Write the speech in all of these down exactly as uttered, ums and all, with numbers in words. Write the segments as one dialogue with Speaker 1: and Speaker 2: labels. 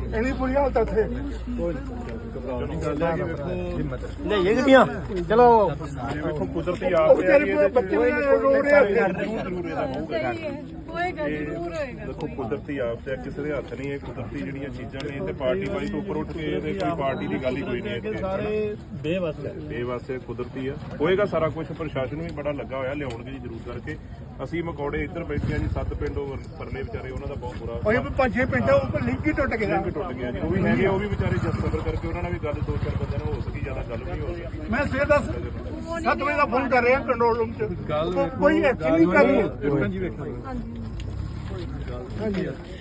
Speaker 1: ਇੰਨੀ ਬੁਰੀ ਹਾਲਤ ਇੱਥੇ
Speaker 2: ਲਿਆਈਏ ਗੱਡੀਆਂ ਚਲੋ
Speaker 3: ਵੇਖੋ ਕੁਦਰਤੀ
Speaker 1: ਉਹ
Speaker 3: ਆਪ
Speaker 1: ਵਿਚਾਰੇ ਬੱਚੇ ਰੋ ਰਹੇ ਆ
Speaker 3: ਜ਼ਰੂਰ ਇਹਦਾ ਹੋਊਗਾ
Speaker 4: ਹੋਏਗਾ ਜ਼ਰੂਰ ਹੋਏਗਾ।
Speaker 3: ਦੇਖੋ ਕੁਦਰਤੀ ਆਪ ਤੇ ਕਿਸੇ ਦੇ ਹੱਥ ਨਹੀਂ, ਇਹ ਕੁਦਰਤੀ ਜਿਹੜੀਆਂ ਚੀਜ਼ਾਂ ਨੇ ਤੇ ਪਾਰਟੀ ਵਾਲੀ ਤੋਂ ਉੱਪਰ ਉੱਠ ਕੇ ਇਹਦੇ ਕੋਈ ਪਾਰਟੀ ਦੀ ਗੱਲ ਹੀ ਕੋਈ ਨਹੀਂ ਇੱਥੇ
Speaker 2: ਸਾਰੇ ਬੇਵਸ ਹੈ
Speaker 3: ਬੇਵਸ ਹੈ, ਕੁਦਰਤੀ ਆ ਹੋਏਗਾ ਸਾਰਾ ਕੁਝ। ਪ੍ਰਸ਼ਾਸਨ ਵੀ ਬੜਾ ਲੱਗਾ ਹੋਇਆ ਲਿਆਉਣਗੇ ਜੀ ਜ਼ਰੂਰ ਕਰਕੇ। ਅਸੀਂ ਮਕੌੜੇ ਇੱਧਰ ਬੈਠੇ ਆ ਜੀ, ਸੱਤ ਪਿੰਡ ਉਹ ਪਰਲੇ ਵਿਚਾਰੇ ਉਹਨਾਂ ਦਾ ਬਹੁਤ ਬੁਰਾ
Speaker 1: ਉਹ ਵੀ ਪੰਜ ਛੇ ਪਿੰਡ ਉਹ ਲਿੰਕ ਹੀ ਟੁੱਟ ਗਿਆ
Speaker 3: ਟੁੱਟ ਗਿਆ ਜੀ। ਉਹ ਵੀ ਹੈਗੇ, ਉਹ ਵੀ ਵਿਚਾਰੇ ਜਦ ਸਬਰ ਕਰਕੇ ਉਹਨਾਂ ਨਾਲ ਵੀ ਗੱਲ ਦੋ ਚਾਰ ਬੰਦੇ ਨਾਲ ਹੋ ਸਕੀ, ਜ਼ਿਆਦਾ ਗੱਲ ਨਹੀਂ ਹੋ ਰਹੀ।
Speaker 1: ਮੈਂ ਸਵੇਰ ਦਾ ਸੱਤ ਵਜੇ ਦਾ ਫੋਨ ਕਰ ਰਿਹਾ ਕੰਟਰੋਲ ਰੂਮ ਚ, ਕੋਈ ਐਕਸ਼ਨ ਨਹੀਂ ਕਰ ਰਿਹਾ।
Speaker 2: ਹਾਂਜੀ ਵੇਖੋ
Speaker 1: ਹਾਂਜੀ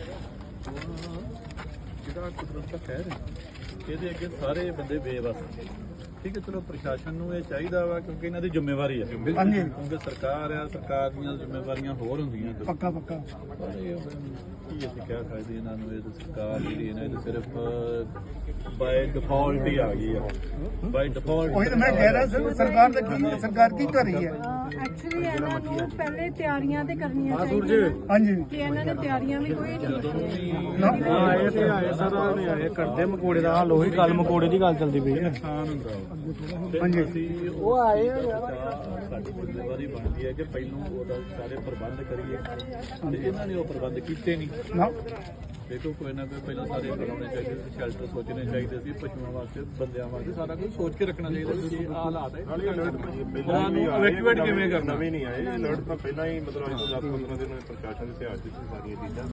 Speaker 2: ਜਿਹੜਾ ਕੁਦਰਤ ਦਾ ਕਹਿਰ ਹੈ ਇਹਦੇ ਅੱਗੇ ਸਾਰੇ ਬੰਦੇ ਬੇਵਸ। ਠੀਕ ਹੈ, ਚਲੋ ਪ੍ਰਸ਼ਾਸਨ ਨੂੰ ਇਹ ਚਾਹੀਦਾ ਵਾ ਕਿਉਂਕਿ ਇਹਨਾਂ ਦੀ ਜ਼ਿੰਮੇਵਾਰੀ ਹੈ,
Speaker 1: ਹਾਂਜੀ
Speaker 2: ਕਿਉਂਕਿ ਸਰਕਾਰ ਆ, ਸਰਕਾਰ ਦੀਆਂ ਜ਼ਿੰਮੇਵਾਰੀਆਂ ਹੋਰ ਹੁੰਦੀਆਂ।
Speaker 1: ਪੱਕਾ ਪੱਕਾ
Speaker 2: ਪਰ ਇਹ ਕੀ ਅਸੀਂ ਕਹਿ ਸਕਦੇ ਇਹਨਾਂ ਨੂੰ, ਇਹ ਤਾਂ ਸਰਕਾਰ ਜਿਹੜੀ ਇਹਨਾਂ ਇਹ ਸਿਰਫ ਬਾਈ ਡਿਫਾਲਟ ਹੀ ਆ ਗਈ ਆ, ਬਾਈ ਡਿਫਾਲਟ।
Speaker 1: ਉਹੀ ਤਾਂ ਮੈਂ ਕਹਿ ਰਿਹਾ ਸਰ, ਸਰਕਾਰ ਦਾ ਕੀ ਸਰਕਾਰ ਕੀ ਕਰ ਰਹੀ ਹੈ?
Speaker 4: ਐਕਚੁਅਲੀ ਇਹਨਾਂ ਨੂੰ ਪਹਿਲੇ ਤਿਆਰੀਆਂ ਤੇ ਕਰਨੀਆਂ ਚਾਹੀਦੀਆਂ
Speaker 1: ਹਾਂਜੀ
Speaker 4: ਕਿ ਇਹਨਾਂ ਨੇ ਤਿਆਰੀਆਂ ਵੀ ਕੋਈ ਨਹੀਂ
Speaker 2: ਆਏ ਤੇ ਆਏ ਸਾਰਾ ਨੇ ਆਏ ਕਰਦੇ ਮਕੌੜੇ ਦਾ ਹਾਲ, ਉਹੀ ਗੱਲ ਮਕੌੜੇ ਦੀ ਗੱਲ ਚੱਲਦੀ ਪਈ ਹੈ। ਨੁਕਸਾਨ ਹੁੰਦਾ ਹਾਂਜੀ, ਅਸੀਂ ਉਹ ਆਏ ਸਾਡੀ ਜ਼ਿੰਮੇਵਾਰੀ ਬਣਦੀ ਹੈ ਕਿ ਪਹਿਲਾਂ ਉਹਦਾ ਸਾਰੇ ਪ੍ਰਬੰਧ ਕਰੀਏ ਤੇ ਇਹਨਾਂ ਨੇ ਉਹ ਪ੍ਰਬੰਧ ਕੀਤੇ ਨਹੀਂ
Speaker 1: ਨਾ
Speaker 2: ਦੇਖੋ ਕੋਈ ਨਾ ਕੋਈ ਪਹਿਲਾਂ ਸਾਰੇ ਬਣਾਉਣੇ ਚਾਹੀਦੇ ਸੀ, ਸ਼ੈਲਟਰ ਸੋਚਣੇ ਚਾਹੀਦੇ ਸੀ, ਪਸ਼ੂਆਂ ਵਾਸਤੇ ਬੰਦਿਆਂ ਵਾਸਤੇ ਸਾਰਾ ਕੁਝ ਸੋਚ ਕੇ ਰੱਖਣਾ ਚਾਹੀਦਾ ਸੀ। ਇਹ ਹਾਲਾਤ ਹੈ
Speaker 3: ਪਹਿਲਾਂ ਵੀ
Speaker 2: evacuate ਕਿਵੇਂ ਕਰਨਾ?
Speaker 3: ਨਵੇਂ ਨਹੀਂ ਆਏ, ਅਲਰਟ ਤਾਂ ਪਹਿਲਾਂ ਹੀ ਮਤਲਬ ਅੱਜ ਤੋਂ ਦਸ ਪੰਦਰਾਂ ਦਿਨ ਪ੍ਰਸ਼ਾਸਨ ਦੇ ਧਿਆਨ ਚ ਸੀ ਸਾਰੀਆਂ ਚੀਜ਼ਾਂ।